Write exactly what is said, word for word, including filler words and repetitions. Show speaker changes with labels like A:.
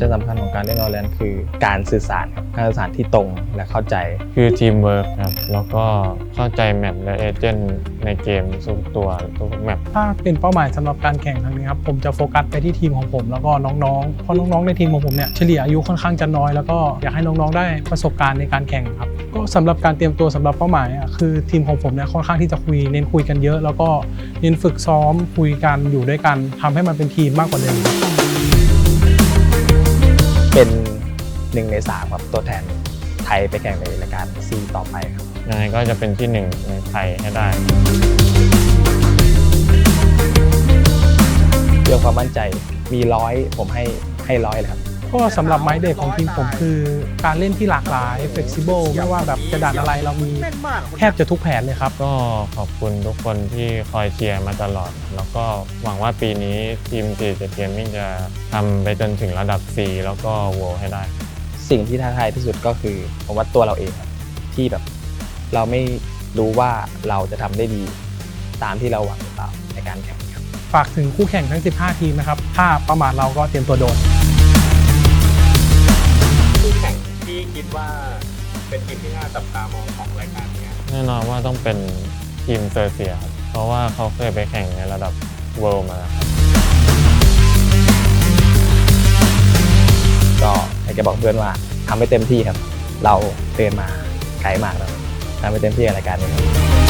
A: จัยสำคัญของการเล่น Valorant คือการสื่อสารครับการสื่อสารที่ตรงและเข้าใจ
B: คือทีมเวิร์คครับแล้วก็เข้าใจแมปและเอเจนต์ในเกมทุกตัวทุกแมป
C: ถ้าเป็นเป้าหมายสำหรับการแข่งครั้งนี้ครับผมจะโฟกัสไปที่ทีมของผมแล้วก็น้องๆเพราะน้องๆในทีมของผมเนี่ยเฉลี่ยอายุค่อนข้างจะน้อยแล้วก็อยากให้น้องๆได้ประสบการณ์ในการแข่งครับก็สำหรับการเตรียมตัวสำหรับเป้าหมายอ่ะคือทีมของผมเนี่ยค่อนข้างที่จะคุยเน้นคุยกันเยอะแล้วก็เน้นฝึกซ้อมคุยกันอยู่ด้วยกันทำให้มันเป็นทีมมากกว่าเดิม
A: เป็นหนึ่งในสามครับตัวแทนไทยไปแข่งในรายการซีต่อไปครับ
B: ยังไงก็จะเป็นที่หนึ่งในไทยให้ได้
A: เรื่องความมั่นใจมีร้อยผมให้ให้ร้อยเลยครับ
C: ก็สำหรับไม้เด็กของทีมผมคือการเล่นที่หลากหลาย flexible ไม่ว่าแบบจะด่านอะไรเรามีแทบจะทุกแผนเลยครับ
B: ก็ขอบคุณทุกคนที่คอยเชียร์มาตลอดแล้วก็หวังว่าปีนี้ทีม ซี เจ็ด Gaming จะทำไปจนถึงระดับ C แล้วก็ World ให้ได้
A: สิ่งที่ท้าทายที่สุดก็คือผมว่าตัวเราเองครับที่แบบเราไม่รู้ว่าเราจะทำได้ดีตามที่เราหวังหรือเปล่าในการแข่งครับ
C: ฝากถึงคู่แข่งทั้งสิบห้าทีมนะครับถ้าประมาทเราก็เตรียมตัวโดน
D: คู่แข่งที่คิดว่าเป็นทีมที่น่าจับตามองของรายการนี้
B: แน่นอนว่าต้องเป็นทีมเซอร์เซียครับเพราะว่าเขาเคยไปแข่งในระดับ World มาครับ
A: ก็อยากจะบอกเพื่อนว่าทำให้เต็มที่ครับเราเดินมาไกลมากแล้วทำให้เต็มที่กับรายการนี้ครับ